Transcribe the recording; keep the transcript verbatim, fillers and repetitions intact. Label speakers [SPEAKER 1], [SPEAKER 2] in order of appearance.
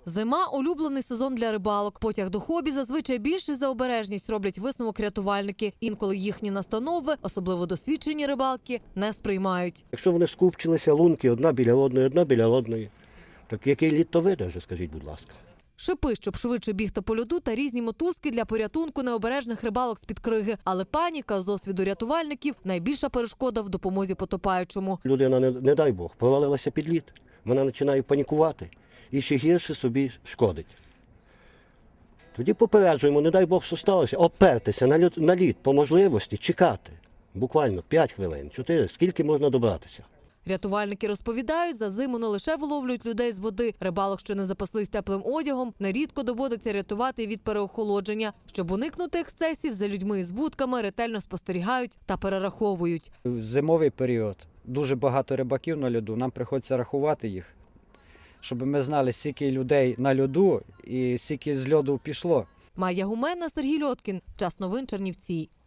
[SPEAKER 1] Зима – улюблений сезон для рибалок. Потяг до хобі зазвичай більше за обережність роблять висновок рятувальники. Інколи їхні настанови, особливо досвідчені рибалки, не сприймають.
[SPEAKER 2] Якщо вони скупчилися, лунки одна біля одної, одна біля одної, так який лід то видержить, скажіть, будь ласка.
[SPEAKER 1] Шипи, щоб швидше бігти по льоду, та різні мотузки для порятунку необережних рибалок з-під криги. Але паніка, з досвіду рятувальників, найбільша перешкода в допомозі потопаючому.
[SPEAKER 2] Людина, не, не дай Бог, провалилася під лід, вона починає панікувати і ще гірше собі шкодить. Тоді попереджуємо, не дай Бог, що сталося, опертися на лід, на лід по можливості, чекати. Буквально п'ять хвилин, чотири, скільки можна добратися.
[SPEAKER 1] Рятувальники розповідають, за зиму не лише виловлюють людей з води. Рибалок, що не запаслись теплим одягом, нерідко доводиться рятувати від переохолодження. Щоб уникнути ексцесів, за людьми із вудками ретельно спостерігають та перераховують.
[SPEAKER 3] В зимовий період дуже багато рибаків на льоду, нам приходиться рахувати їх, щоб ми знали, скільки людей на льоду і скільки з льоду пішло.
[SPEAKER 1] Майя Гуменна, Сергій Льоткін. Час новин Чернівці.